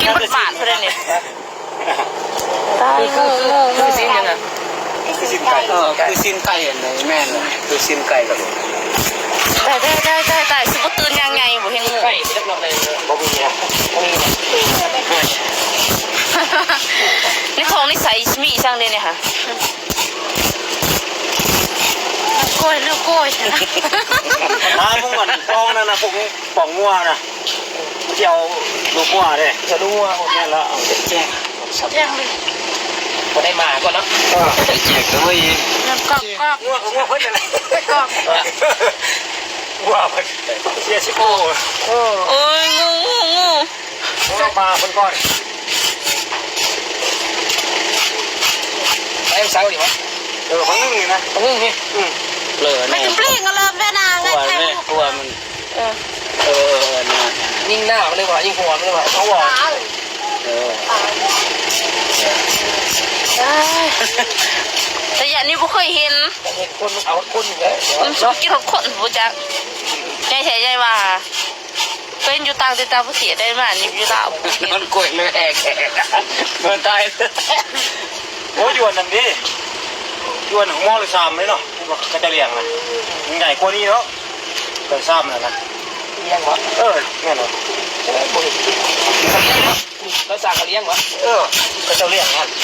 กินบดบาทเพื่อนเนี่ยตายคือซีนยังไงคือซินไก่คือซินไก่ในแม่เลยคือซินไก่กับได้สิบตื่นยังไงบ่เห็นไก่เล็กน้อยเลยบ่มีอ่ะบ่มีนี่ของนิสัยมีช่างเลยเนี่ยค่ะกล้วยลูกกล้วยนะมาพุ่งก่อนปองนั่นนะพวกนี้ปองงัวนะเจียวลูกงัวเลยจะลูกงัวคนนี้แล้วเอาแจกเลยพอได้มาก่อนเนาะแจกเลยน้ำกอกงัวเพิ่นอะไรกอกงัวเพิ่นเสียชิโก้โอ้ยงูเรามาเพิ่นก่อนไอ้สาวดิวะของนึงนี่นะของนึงนี่เลยไม่ถึงเปลี่ยนกันเลยแม่นางไงแค่ตัวมันยิ่งหน้ามันเลยว่ะยิ่งหัวมันเลยว่ะเขาบอกแต่อย่างนี้บ่เคยเห็นคนเอาคนอยู่แล้วมันชอบกินของคนบ่จักใจแท้ใจว่าเป็นอยู่ต่างแต่ตาผู้เสียได้มานี่อยู่ลาวมันกล้วยเลยแอกมันตายโอ้ยวนนั่นดิยวนของมอหรือซามเลยเนาะก็จะเลี้ยงนะใหญ่กว่านี้เนาะเป็นซามนะเลี้ยงวะแน่นอนแล้วสั่งเขาเลี้ยงวะก็จะเลี้ยงนะ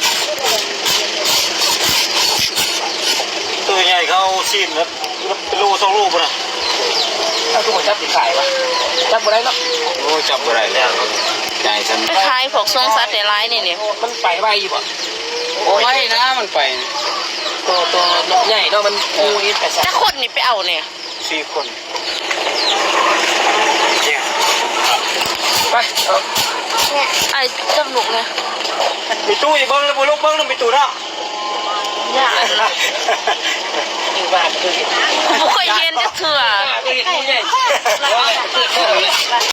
ตัวใหญ่เขาซีนแล้วเป็นลูกสองลูกนะถ้าทุกคนจับติดขายวะจับอะไรเนาะโอ้จับอะไรแล้วใจฉันคล้ายพวกทรงสัตว์ในร้ายนี่มันไปไวอยู่ป่ะโอ้ยนะมันไปตัวใหญ่เนาะมันงูนี่แต่ถ้าคนนี่ไปเอาเนี่ย 4 คนไปเนี่ยไอ้จมูกเนี่ยมีตู้อีกเบิ้งแล้วบุลูกเบิ้งแล้วมีตู้เนาะยากอยู่บ้านคือผมเคยเห็นจะถือ